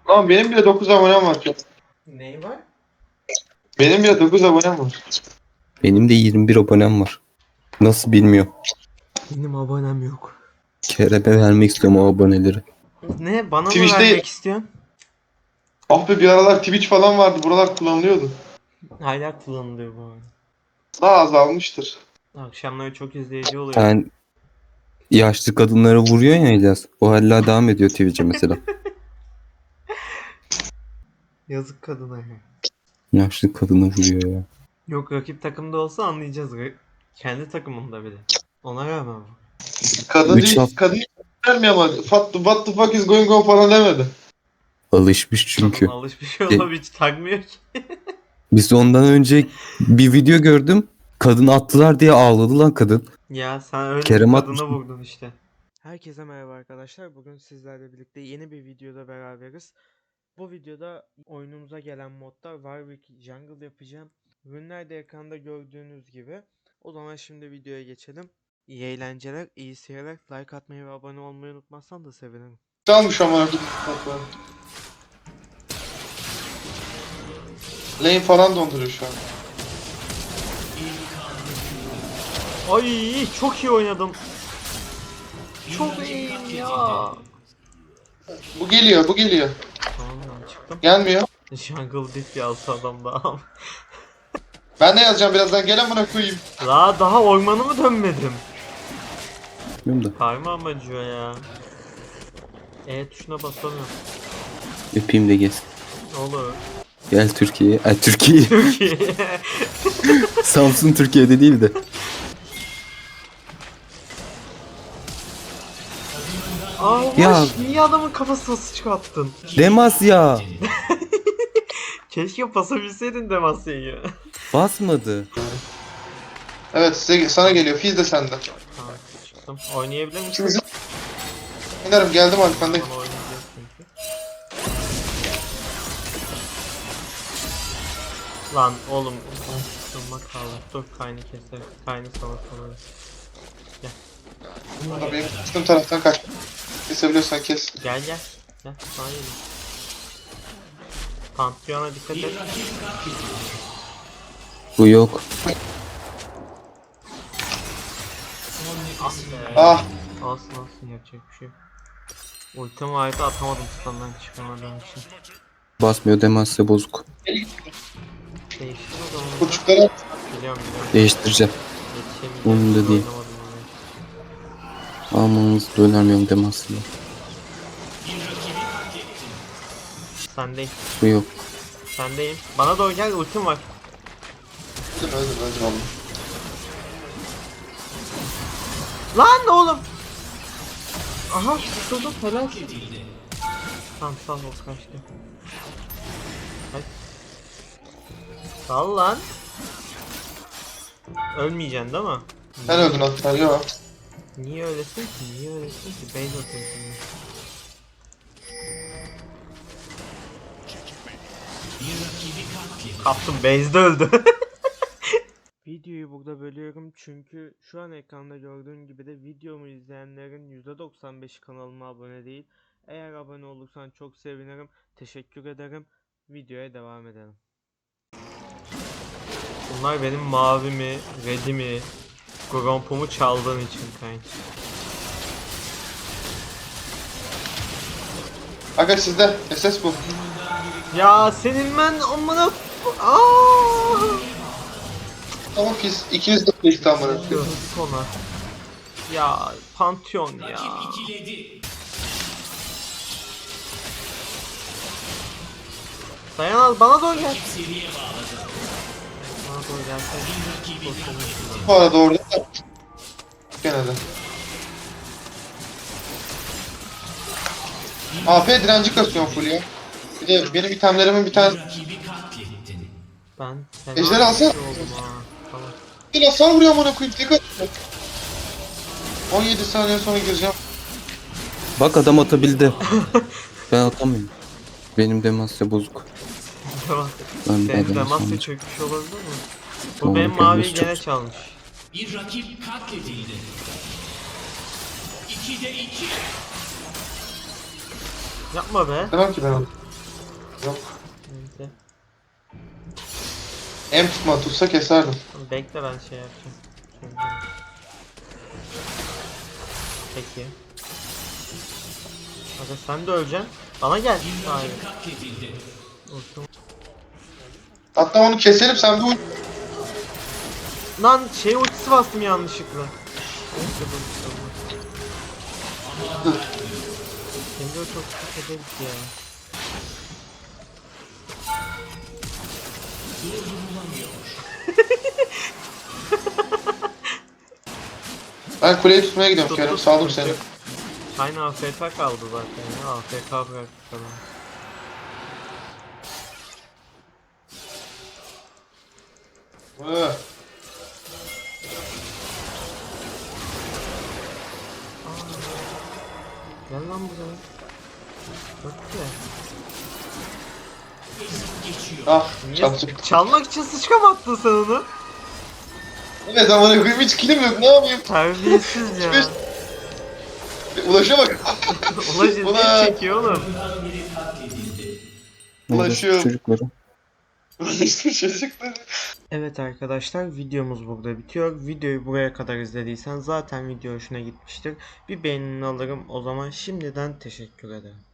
Lan benim bile 9 abonem var ya. Ney var? Benim bile 9 abonem var. Benim de 21 abonem var. Nasıl bilmiyorum. Benim abonem yok. Kerem'e vermek istiyorum o aboneleri. Ne? Bana mı Twitch'te- vermek istiyorsun? Ah be bir aralar Twitch falan vardı. Buralar kullanılıyordu. Hala kullanılıyor bu arada. Daha azalmıştır. Akşamları çok izleyici oluyor. Sen yaşlı kadınlara vuruyor ya İlyas. O hala devam ediyor Twitch'e mesela. Yazık kadına ya. Yaşlı kadına vuruyor ya. Yok, rakip takımda olsa anlayacağız. Kendi takımında bile. Ona rağmen bu. Kadın Üç değil, hafta- kadın vermiyor ama what the fuck is going on falan demedi. Alışmış çünkü. Kadın alışmış olup hiç takmıyor ki. Biz ondan önce bir video gördüm. Kadın attılar diye ağladı lan kadın. Ya sen öyle Kerem bir atmış. kadına vurdun işte. Herkese merhaba arkadaşlar. Bugün sizlerle birlikte yeni bir videoda beraberiz. Bu videoda oyunumuza gelen modlar Warwick Jungle yapacağım. Ürünler de ekranda gördüğünüz gibi. O zaman şimdi videoya geçelim. İyi eğlenceler, iyi seyirler. Like atmayı ve abone olmayı unutmazsan da sevinirim. Çalmış ama. Lane falan donduruyor şu an. Ay çok iyi oynadım. Çok iyiyim ya. Bu geliyor, bu geliyor. Tamam ben çıktım. Gelmiyor. Jungle diff yazdı adam daha. Ben de yazacağım birazdan. Gel amına koyayım. Daha ormanı mı dönmedim? Bilmiyorum da. Parmağım acıyor ya. E tuşuna basamıyorum. Öpeyim de gelsin. Olur. Gel Türkiye'ye. Ay Türkiye. Türkiye. Samsun Türkiye'de değil de. Allah Ya. niye adamın kafasına sıçrattın? Demasya. Keşke basabilseydin Demasya'yı. Basmadı. Evet sana geliyor. Fizz de sende. Tamam çıktım. Oynayabilir misin? İkimizin... Oynarım geldim arkandayım. Bana oynayacağız çünkü. Lan oğlum. Durma kaldı. Dur kaynı keser. Kaynı sana sorarız. Burada benim üstüm taraftan kaç. Kesebiliyorsan kes. Gel. Gel sana gelin. Pantheon'a dikkat et. Bu yok. Ah be. Ah. Olsun yapacak bir şey yok. Ultimi vardı atamadım standdan çıkamadığım için. Basmıyor Demasya bozuk. Değiştir o zaman. Kurçuklara Biliyorum. Değiştireceğim. Yetişemeyeceğim. Umurumda değil. Oynamadım onu. Amanız dönermiyorum Demasya'ya. Sendeyim. Bu yok. Sendeyim. Bana doğru gel, ultim var. öldüm onu. Lan oğlum. Aha tutuldum helal. Tamam sağ ol kaçtı. Kaç. Sal lan. Ölmeyeceksin değil mi? Sen öldün hatta yok. Niye öylesin ki? Base atıyorsun ya. Kaptım base'de öldü. Videoyu burada bölüyorum çünkü şu an ekranda gördüğün gibi de videomu izleyenlerin %95'i kanalıma abone değil. Eğer abone olursan çok sevinirim. Teşekkür ederim. Videoya devam edelim. Bunlar benim mavimi, redimi, grompumu çaldığın için kanka. Aga sizde. SS bu. Ya senin ben amına aaa. Tamam Fizz. İkiniz de Fizz tam bana. Yazık ona. Ya Pantheon ya. Dayan al bana doğru gel. Bana doğru gelsene. Bu arada orada da. Gene de. AP direnci kasıyorum full ya. Bir de benim itemlerimin bir tane... Ben Ejderi alsana. oldum ha. Tamam. Bir hasar vuruyor amına koyayım. Tek atıyor. 17 saniye sonra gireceğim. Bak adam atabildi. Ben atamıyorum. Benim Demasya bozuk. Tamam. Ben Senin adamı Damasya sandım. çökmüş olabilir mi? Bu Doğru, benim Damasya maviyi çok- gene çalmış. Bir rakip katledildi. 2'de 2. Yapma be. Demem ki ben onu. Yok. Neyse. Em tutsa keserdim. Tamam, bekle ben şey yapacağım. Peki. Aga sen de öleceksin. Bana gel. Hayır. Katledildi. Olsun. Hatta onu keselim sen bir Lan şey ultisi bastım yanlışlıkla. Neyse bu ultisi olmaz. Şimdi o çok sıkıntı ederiz ya. Ben kuleyi tutmaya gidiyorum Tut, Kerem. tut, Saldım tut. seni. Aynı AFK kaldı zaten ya. AFK bıraktık falan. Hı. Gel lan buraya. Çok güzel. Ah Niye çarptım. çalmak için sıçka mı attın sen onu? Evet ama hiç kilim yok ne yapayım? Terbiyesiz ya. Ulaşa bak. Ulaş Ulan. ne çekiyor oğlum? Ulaşıyorum. Çocukları. Çocuklar. Evet arkadaşlar, videomuz burada bitiyor. Videoyu buraya kadar izlediysen zaten video hoşuna gitmiştir. Bir beğenini alırım. O zaman şimdiden teşekkür ederim.